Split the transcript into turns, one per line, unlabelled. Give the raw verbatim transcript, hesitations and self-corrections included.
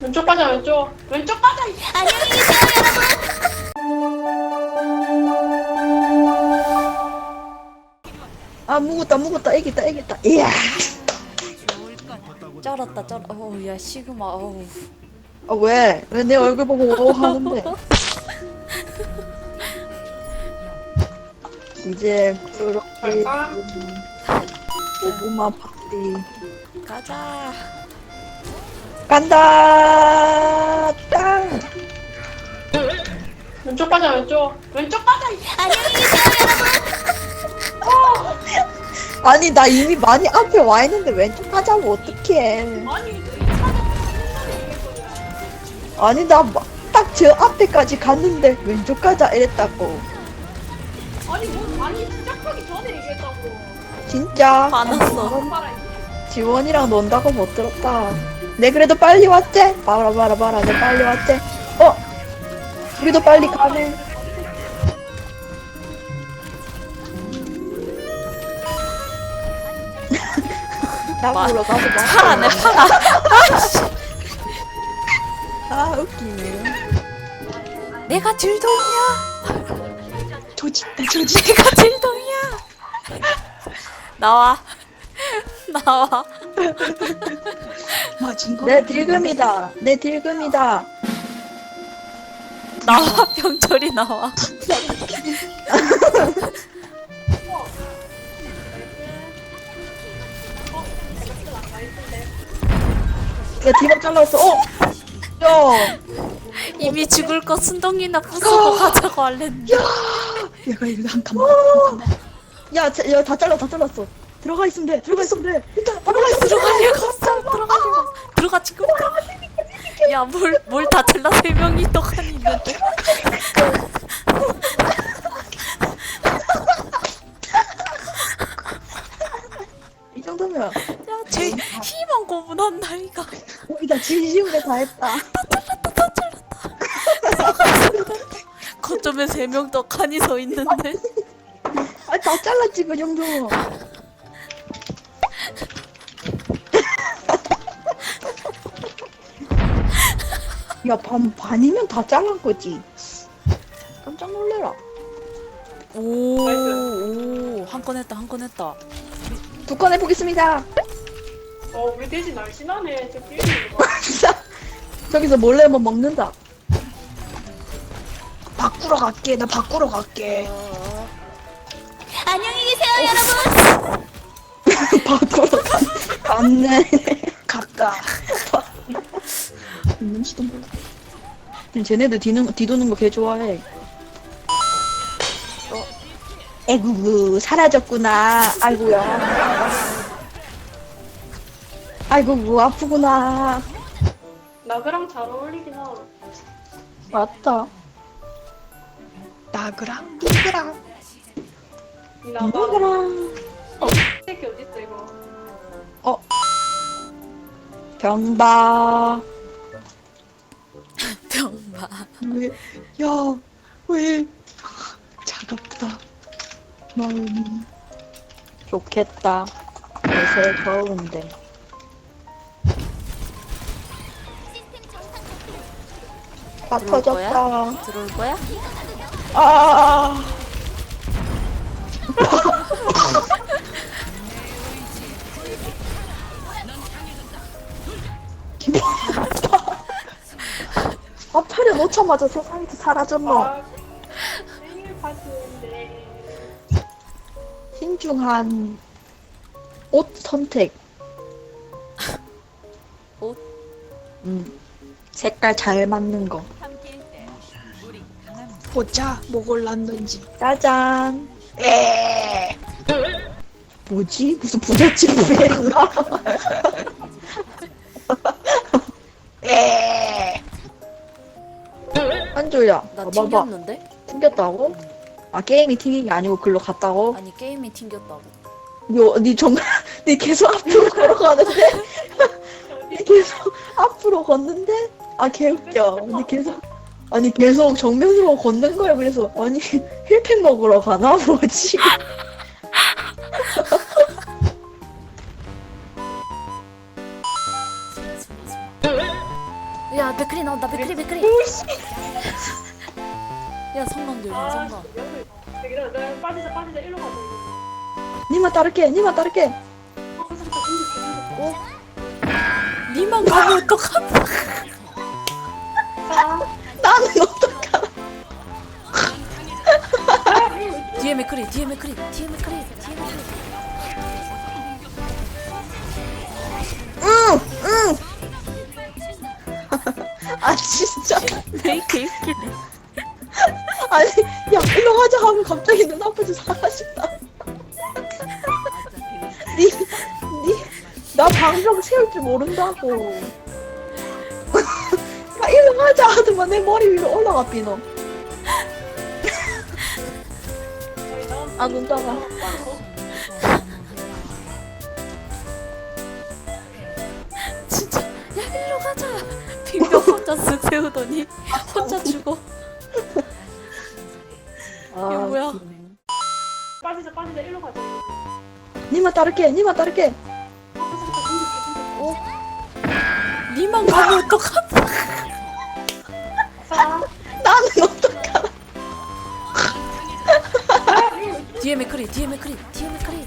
왼쪽 가자 왼쪽 왼쪽 가자.
안녕히 계세요,
아 묵었다 묵었다 애기다 애기다. 이야.
여러분. 쩔었다, 쩔. 어우, 야, 시그마. 어우.
아 왜? 왜 내 얼굴 보고 오 하는데? 이제 그렇게
갈까?
고구마 파티
가자.
간다. 땅.
왼쪽 가자 왼쪽 왼쪽 가자.
안녕히 계세요, 여러분.
아니 나 이미 많이 앞에 와 있는데 왼쪽 가자고 어떡해.
아니
아니 나 딱 저 앞에까지 갔는데 왼쪽 가자 이랬다고.
아니 뭐 아니 시작하기 전에 얘기했다고.
진짜
화났어.
말아.
지원이랑 논다고 못 들었다. 내 그래도 빨리 왔지? 봐라 봐라 봐라 내 빨리 왔지? 어? 우리도 빨리 가네. 나
마-
보러 가서 봐.
파라네, 파라.
아 웃기네.
내가 질동이야.
조직다 조직.
내가 질동이야. 나와. 나와.
내 딜금이다. 내 딜금이다.
나와, 병철이 나와.
야 디바 잘랐어. 어? 야.
이미 죽을 거 순동이나 부수고 가자고 할랬는데.
얘가 이거 한 칸만. 야, 야, 다 잘라, 다 잘랐어. 들어가 있으면 돼. 들어가 있으면 돼. 일단 들어가 있으면
들어갈 리가 없어. 들어가지 마. 들어가, 지금 들어가. 야, 뭘, 뭘 다 잘라 세 명이 떡하니 있는데.
이 정도면
야, 쟤 희망 고문한다, 이거.
우리 다 진심으로 다 했다.
거점에 세 명 떡하니 서 있는데.
아, 다 잘랐지 그 정도. 야, 반 반이면 다 잘란 거지. 깜짝 놀래라.
오, 오, 한 건 했다, 한 건 했다.
두 건 해보겠습니다.
어 우리 돼지 날씬하네. 저 끼리는 거.
진짜. 저기서 몰래 한번 먹는다. 바꾸러 갈게. 나 바꾸러 갈게.
안녕히 계세요, 여러분.
바꾸러 가, 갔네. 갔다. 있는지도 몰라. 쟤네들 뒤는, 뒤도는 거 개 좋아해. 어. 에구구, 사라졌구나. 아이고야. 아이고구, 아프구나.
나그랑 잘 어울리긴 하다.
맞다. 나그랑, 니그랑,
이 나가.
니그랑.
새끼 어딨어 이거.
어. 병바.
병마.
왜, 야, 왜, 차갑다. 마음이. 좋겠다. 요새 더운데. 다
들어올 거야?
터졌다.
들어올 거야?
아. 아, 팔에 놓자마자 세상에서 사라졌노.
아 생일 파티인데.
신중한 옷 선택.
옷?
음. 색깔 잘 맞는 거. 보자, 뭐 골랐는지. 짜잔. 에. 뭐지? 무슨 부잣집에 있나? 에. 한조야,
나
봐봐.
튕겼는데?
튕겼다고? 아, 게임이 튕긴 게 아니고 글로 갔다고?
아니, 게임이 튕겼다고.
요, 니 정말, 니 계속 앞으로 걸어가는데? 니 계속 앞으로 걷는데? 아, 개웃겨. 니 계속, 아니, 계속 정면으로 걷는 거야. 그래서, 아니, 힐팩 먹으러 가나? 뭐지?
야 맥크리 나온다 맥크리 맥크리.
오씨.
야 성광 들려
아,
성광.
내가 내가 빠지자 빠지자 일로 가자.
니만 따를게 니만 따를게.
어, 잠깐 잠깐.
니만 가면 어떡하나.
아,
나는 어떡하나.
뒤에 맥크리 뒤에 맥크리 뒤에 맥크리 뒤에 맥크리.
응응. 아 진짜.
메이 개웃기네.
아니 야 일로 가자 하면 갑자기 눈앞에서 사라진다. 니니나 방벽 세울 줄 모른다고. 야 일로 가자 하더만 내 머리 위로 올라가 삐너. 아 눈 떠가.
진짜 야 일로 가자. 빈병 혼자 쓱 세우더니 혼자 죽어.
아,
이거 뭐야?
빠지자 빠지자 일로 가자.
니만 따를게 니만 따를게.
니만 가면 어떡하나.
아,
나는 어떡하나.
뒤에 맥크리 뒤에 맥크리 뒤에 맥크리.